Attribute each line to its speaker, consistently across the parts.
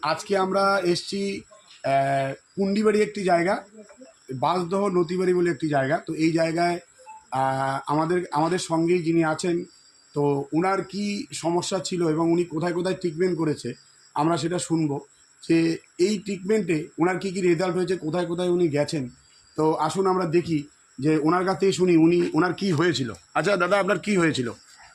Speaker 1: আজকে আমরা এসছি কুন্ডিবাড়ি একটি জায়গা, বাঁশদহ নতিবাড়ি বলে একটি জায়গা। তো এই জায়গায় আমাদের সঙ্গেই যিনি আছেন, তো ওনার কি সমস্যা ছিল এবং উনি কোথায় কোথায় ট্রিটমেন্ট করেছে আমরা সেটা শুনবো, যে এই ট্রিটমেন্টে ওনার কী কী রেজাল্ট হয়েছে, কোথায় কোথায় উনি গেছেন। তো আসুন আমরা দেখি যে ওনার কাছ থেকে শুনি ওনার কী হয়েছিল। আচ্ছা দাদা, আপনার কী হয়েছিল?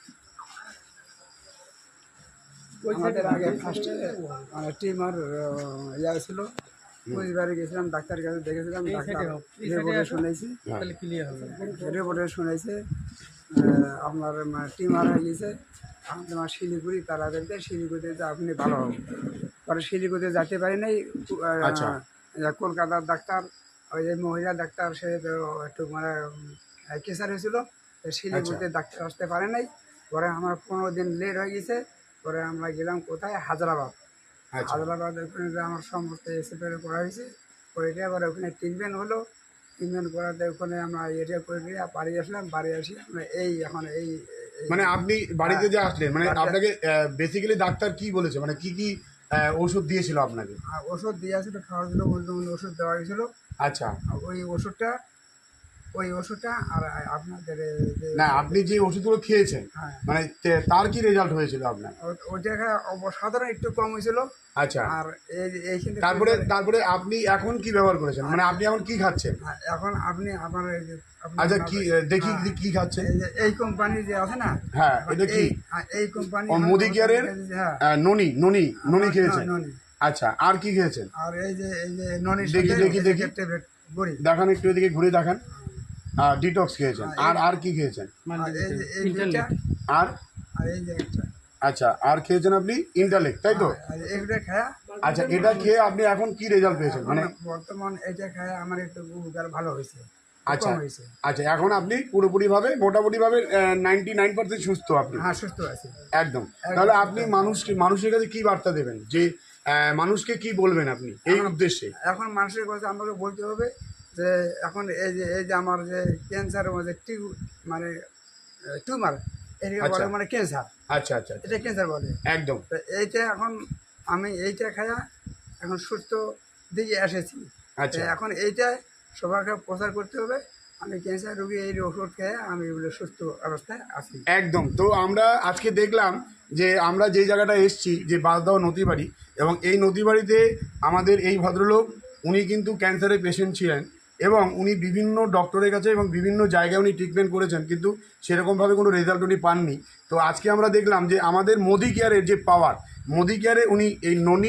Speaker 2: আমাদের আগে ফার্স্টে টিউমার ইয়া ছিল, পরিবারে গেছিলাম, ডাক্তারের কাছে দেখেছিলাম, ডাক্তার রিপোর্টে শুনেছি আপনার টিউমার হয়ে গেছে। আমার শিলিগুড়ি তারাদেরকে শিলিগুড়িতে আপনি ভালো হবে, পরে শিলিগুড়িতে যেতে পারি নাই।
Speaker 1: আচ্ছা।
Speaker 2: কলকাতার ডাক্তার, ওই যে মহিলা ডাক্তার, সে তো একটু কেসার হয়েছিল, শিলিগুড়িতে ডাক্তার আসতে পারে নাই। পরে আমার 15 দিন লেট হয়ে গেছে। পরে আমরা গেলাম কোথায়, হায়দ্রাবাদ। হায়দ্রাবাদ ওখানে আমার সমস্ত এক্সরে করা হয়েছে, করে আবার ওখানে ট্রিটমেন্ট হলো। ট্রিটমেন্ট করাতে ওখানে আমরা এটা করে দিয়ে বাড়ি আসলাম। বাড়ি আসি আমরা এখন
Speaker 1: মানে আপনি বাড়িতে যে আসলেন, মানে আপনাকে বেসিক্যালি ডাক্তার কি বলেছে, মানে কি কি ওষুধ দিয়েছিল আপনাকে?
Speaker 2: ওষুধ দিয়ে আসলে খাওয়া ছিল, ওষুধ দেওয়া হয়েছিল।
Speaker 1: আচ্ছা।
Speaker 2: ওই ওষুধটা আর আপনাদের
Speaker 1: না, আপনি যে ওষুধগুলো খেয়েছেন,
Speaker 2: হ্যাঁ,
Speaker 1: মানে তার কি রেজাল্ট হয়েছিল আপনার?
Speaker 2: ওইটা সাধারণ একটু কম হয়েছিল।
Speaker 1: আচ্ছা।
Speaker 2: আর এইখানে
Speaker 1: তারপরে আপনি এখন কি ব্যবহার করেছেন, মানে আপনি এখন কি খাচ্ছেন?
Speaker 2: এখন আপনি আমার
Speaker 1: আচ্ছা, কি দেখি কি খাচ্ছেন?
Speaker 2: এই কোম্পানি যে আছে না,
Speaker 1: হ্যাঁ, এটা কি?
Speaker 2: এই কোম্পানি
Speaker 1: মোদি কেয়ারের ননি খেয়েছেন? আচ্ছা, আর কি খেয়েছেন?
Speaker 2: আর এই যে ননি
Speaker 1: দেখি
Speaker 2: ট্যাবলেট বড়ি
Speaker 1: দেখান, একটু এদিকে ঘুরে দেখান। ডিটক্স খেয়েছেন, আর কি খেয়েছেন?
Speaker 2: এই দুইটা,
Speaker 1: আর
Speaker 2: এই যে একটা।
Speaker 1: আচ্ছা, আর খেয়েছেন আপনি ইন্টালেক্ট, তাই তো?
Speaker 2: এইটা খায়া,
Speaker 1: আচ্ছা, এটা খেয়ে আপনি এখন কি রেজাল্ট পেয়েছেন? মানে
Speaker 2: বর্তমান এটা খায়া আমার একটু উপকার ভালো হয়েছে।
Speaker 1: আচ্ছা আচ্ছা, এখন আপনি পুরোপুরিভাবে মোটামুটিভাবে 99% সুস্থ আপনি?
Speaker 2: হ্যাঁ, সুস্থ আছি
Speaker 1: একদম। তাহলে আপনি মানুষের কাছে কি বার্তা দেবেন, যে মানুষকে কি বলবেন আপনি এই উদ্দেশ্যে?
Speaker 2: এখন মানুষের কাছে আমাকে বলতে হবে যে এখন এই যে আমার যে ক্যান্সারের মধ্যে মানে টিউমার, এটাকে বলে মানে ক্যান্সার।
Speaker 1: আচ্ছা আচ্ছা,
Speaker 2: এটা ক্যান্সার বলে
Speaker 1: একদম।
Speaker 2: তো এইটা এখন আমি এইটা খায়া এখন সুস্থ দিকে এসেছি।
Speaker 1: আচ্ছা,
Speaker 2: এখন এইটা সবাইকে প্রচার করতে হবে, আমি ক্যান্সার রোগী, এই ওষুধ খেয়ে আমি এগুলো সুস্থ অবস্থায় আছি।
Speaker 1: একদম। তো আমরা আজকে দেখলাম যে আমরা যে জায়গাটা এসছি, যে বাঁশদহ নতিবাড়ি, এবং এই নতিবাড়িতে আমাদের এই ভদ্রলোক, উনি কিন্তু ক্যান্সারের পেশেন্ট ছিলেন, এবং উনি বিভিন্ন ডক্টরের কাছে এবং বিভিন্ন জায়গায় উনি ট্রিটমেন্ট করেছেন, কিন্তু সেরকমভাবে কোনো রেজাল্ট উনি পাননি। তো আজকে আমরা দেখলাম যে আমাদের মোদি কেয়ারের যে পাওয়ার, মোদি কেয়ারে উনি এই ননি